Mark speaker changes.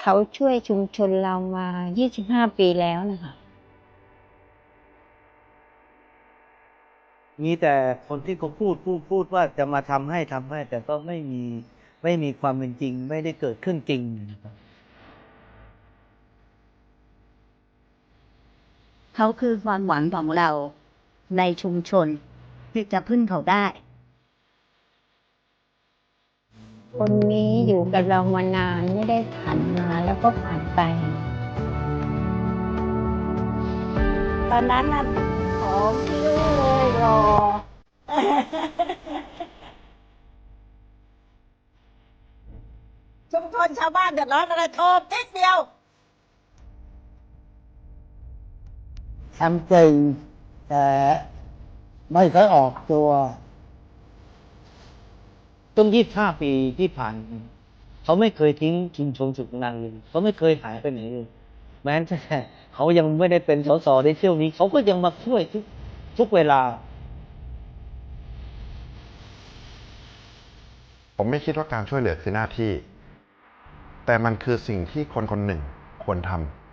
Speaker 1: เขาช่วยชุมชนเรามา 25 ปีแล้วนะคะ
Speaker 2: มีแต่คนที่เขาพูดว่าจะมาทำให้แต่ก็ไม่มีความเป็นจริงไม่ได้เกิดขึ้นจริงนะครับ
Speaker 3: เขาคือความหวังของเราในชุมชนที่จะพึ่งเขาได้
Speaker 1: คนนี้อยู่กับเรามานานไม่ได้ผ่านมาแล้วก็ผ่านไป ตอนนั้นน่ะผอมพิ้วเลยรอ
Speaker 3: ชุมชนชาวบ้านเดือดร้อนอะไรโทรนิดเดียว
Speaker 2: ทำจริงแต่ไม่เคยออกตัวต้น25 ปีที่ผ่านเขาไม่เคยทิ้งชุมชนสุขนันเลยเขาไม่เคยหายไปไหนเลยแม้แต่เขายังไม่ได้เป็นสสในเที่ยวนี้เขาก็ยังมาช่วยทุกเวลา
Speaker 4: ผมไม่คิดว่าการช่วยเหลือคือหน้าที่ แต่มันคือสิ่งที่คนคนหนึ่งควรทำ